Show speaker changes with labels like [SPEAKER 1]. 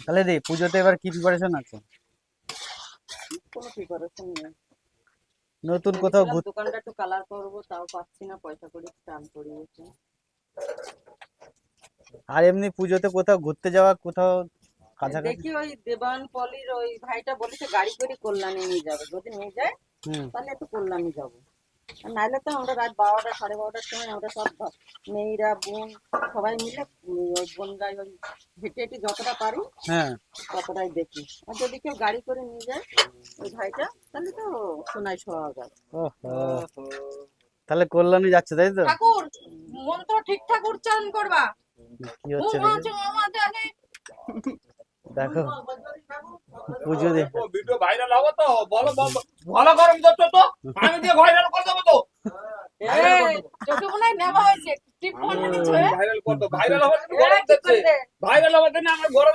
[SPEAKER 1] তাহলে রে পুজোতে এবার কি প্রিপারেশন আছে?
[SPEAKER 2] কোনো প্রিপারেশন নেই।
[SPEAKER 1] নতুন কোথাও
[SPEAKER 2] ভেবেছিলাম দোকানটা একটু কালার করবো, তাও পাচ্ছি না, পয়সা কড়ি টান পড়িয়েছে।
[SPEAKER 1] আর এমনি পুজোতে কোথাও ঘুরতে যাওয়া, কোথাও কাছাকাছি?
[SPEAKER 2] দেখি ওই দেবান পলির ওই ভাইটা বলেছে গাড়ি করে কল্যাণী নিয়ে যাবে, যদি নিয়ে যায়
[SPEAKER 1] হুম।
[SPEAKER 2] তাহলে একটু কল্যাণী যাবো। আর নাহলে তো আমরা রাত 12টা 12:30টার সময় আমরা সব মেয়েরা বোন সবাই মিলে ওই বনগায় ওই হেঁটে হেঁটে যতটা পারি
[SPEAKER 1] হ্যাঁ।
[SPEAKER 2] ততটাই দেখি। আর যদি কেউ গাড়ি করে নিয়ে যায় ওই ভাইটা, তাহলে তো সোনায় সোহাগা।
[SPEAKER 1] ওহো, তাহলে কল্যাণী যাচ্ছে তাই তো?
[SPEAKER 3] ঠাকুর মন্ত্র ঠিকঠাক উচ্চারণ করবা।
[SPEAKER 1] কি হচ্ছে দেখি, দেখো পুজো দে।
[SPEAKER 4] ভিডিও ভাইরাল হবে তো, বলো ভালো গরম করছো তো, আমি দিয়ে ভাইরাল করে দেবো তো।
[SPEAKER 3] চোখে মনে হয় নেওয়া হয়েছে টিপ করে দিচ্ছে।
[SPEAKER 4] ভাইরাল করতো, ভাইরাল হওয়ার জন্য গরম দিচ্ছে, ভাইরাল হওয়ার জন্য আমার গরম